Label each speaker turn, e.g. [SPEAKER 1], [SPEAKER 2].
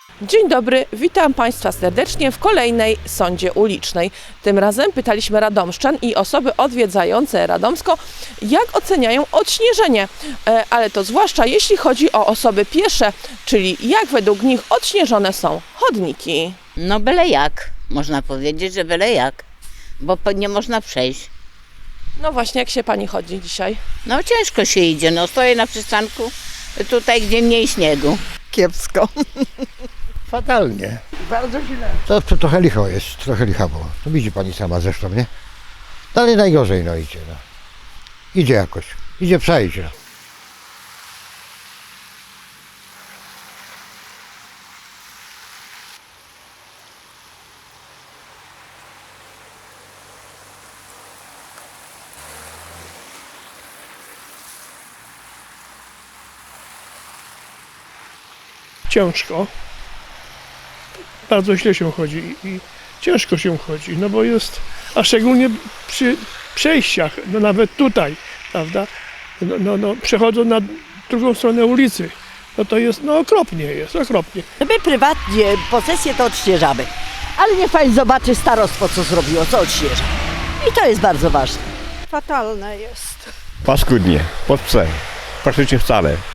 [SPEAKER 1] Dzień dobry, witam Państwa serdecznie w kolejnej sądzie ulicznej. Tym razem pytaliśmy radomszczan i osoby odwiedzające Radomsko, jak oceniają odśnieżenie, ale to zwłaszcza jeśli chodzi o osoby piesze, czyli jak według nich odśnieżone są chodniki.
[SPEAKER 2] No byle jak, można powiedzieć, że byle jak, bo nie można przejść.
[SPEAKER 1] No właśnie, jak się Pani chodzi dzisiaj?
[SPEAKER 2] No ciężko się idzie, no stoję na przystanku, tutaj gdzie mniej śniegu.
[SPEAKER 3] Kiepsko.
[SPEAKER 4] Fatalnie.
[SPEAKER 3] Bardzo źle.
[SPEAKER 4] To trochę licho jest, trochę licha było. To widzi pani sama zresztą, nie? Dalej najgorzej no idzie, no. Idzie jakoś, idzie przejść, no.
[SPEAKER 5] Ciężko, bardzo źle się chodzi i ciężko się chodzi, no bo jest, a szczególnie przy przejściach, no nawet tutaj, prawda, no przechodzą na drugą stronę ulicy, no to jest, no okropnie jest, okropnie.
[SPEAKER 3] My prywatnie posesję to odśnieżamy, ale niech pani zobaczy starostwo, co zrobiło, co odśnieża. I to jest bardzo ważne.
[SPEAKER 6] Fatalne jest.
[SPEAKER 7] Paskudnie, pod psem. Praktycznie wcale.